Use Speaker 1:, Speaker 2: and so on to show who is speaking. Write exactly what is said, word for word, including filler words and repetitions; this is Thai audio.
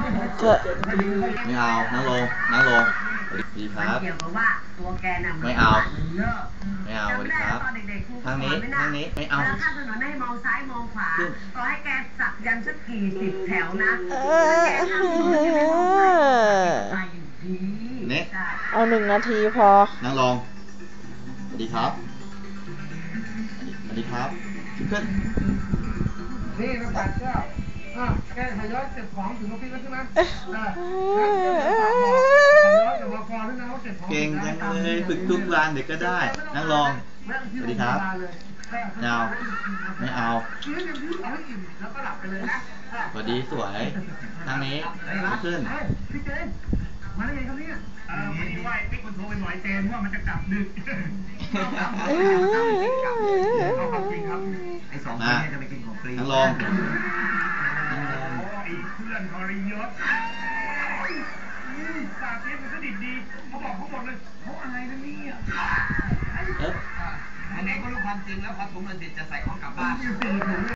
Speaker 1: เถอะ
Speaker 2: ไม่เอานั่งลงนั่งลงสวัสดีครับไม่เอาไม่เอาสวัสดีครับทางนี้ทางนี้ไม่เอา
Speaker 3: ข้ามถนนให้มองซ้ายมองขวาต่อให้แกสักยันสักกี่สิบแถวนะแกข้ามถนนแกไม่มองซ้ายมองขวาตายอยู่ดี
Speaker 2: นี่
Speaker 1: เอาหนึ่งนาทีพอ
Speaker 2: นั่งลงสวัสดีครับสวัสดีครับขึ้น
Speaker 4: นี่มาตัดเจ้าอ่ะแกทยอยเก็บของถึงออฟฟิศแล้วใช่ไหม
Speaker 2: เก่งจังเลยฝึกทุกวันเด็กก็ได้นั่งลงสวัสดีครับไม่เอาไม่เอาสวัสดีสวยทางนี้ขึ้น
Speaker 4: พี่เจนมาได้ไงครับเนี่ยเออไม่ได้ว่าพี่คนโทรไปบ่อยเจนว่ามันจะกลับดึกเอาความจริงครับไอ้สองคนนี้จะไปกินของฟรี
Speaker 2: นั่งลง
Speaker 4: โอ้ไอ้เพื่อนทรยศปากเสียมันสนิทดีเขาบอกเขาหมดเลยเขาอะไรนะเนี่ย
Speaker 2: เอ๊ะ
Speaker 4: อันไหนก็รู้ความจริงแล้วพอถุงเงินเสร็จจะใส่ของกลับบ้าน